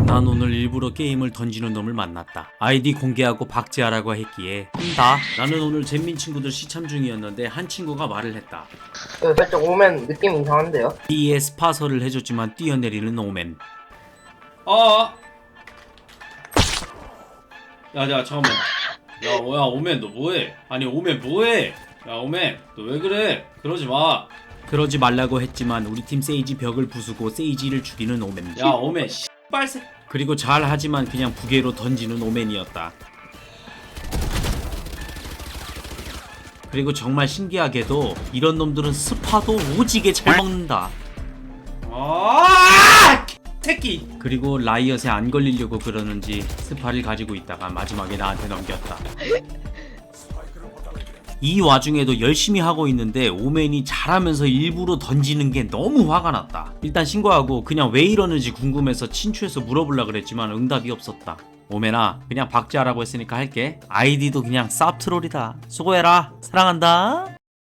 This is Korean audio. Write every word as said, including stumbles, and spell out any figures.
난 오늘 일부러 게임을 던지는 놈을 만났다. 아이디 공개하고 박제하라고 했기에 한다. 나는 오늘 잼민 친구들 시참 중이었는데 한 친구가 말을 했다. 이거 살짝 오면 느낌 이상한데요? B에 스파서를 해줬지만 뛰어내리는 오멘. 아! 야, 야, 잠깐만. 야, 야, 오멘, 너 뭐해? 아니, 오멘, 뭐해? 야, 오멘, 너 왜 그래? 그러지 마. 그러지 말라고 했지만 우리 팀 세이지 벽을 부수고 세이지를 죽이는 오멘. 야, 오멘, 씨발새. 그리고 잘하지만 그냥 부계로 던지는 오멘이었다. 그리고 정말 신기하게도 이런 놈들은 스파도 오지게 잘 먹는다. 아! 새끼. 그리고 라이엇에 안 걸리려고 그러는지 스파를 가지고 있다가 마지막에 나한테 넘겼다. 이 와중에도 열심히 하고 있는데 오맨이 잘하면서 일부러 던지는 게 너무 화가 났다. 일단 신고하고 그냥 왜 이러는지 궁금해서 친추해서 물어보려 그랬지만 응답이 없었다. 오맨아, 그냥 박제하라고 했으니까 할게. 아이디도 그냥 쌉트롤이다. 수고해라. 사랑한다.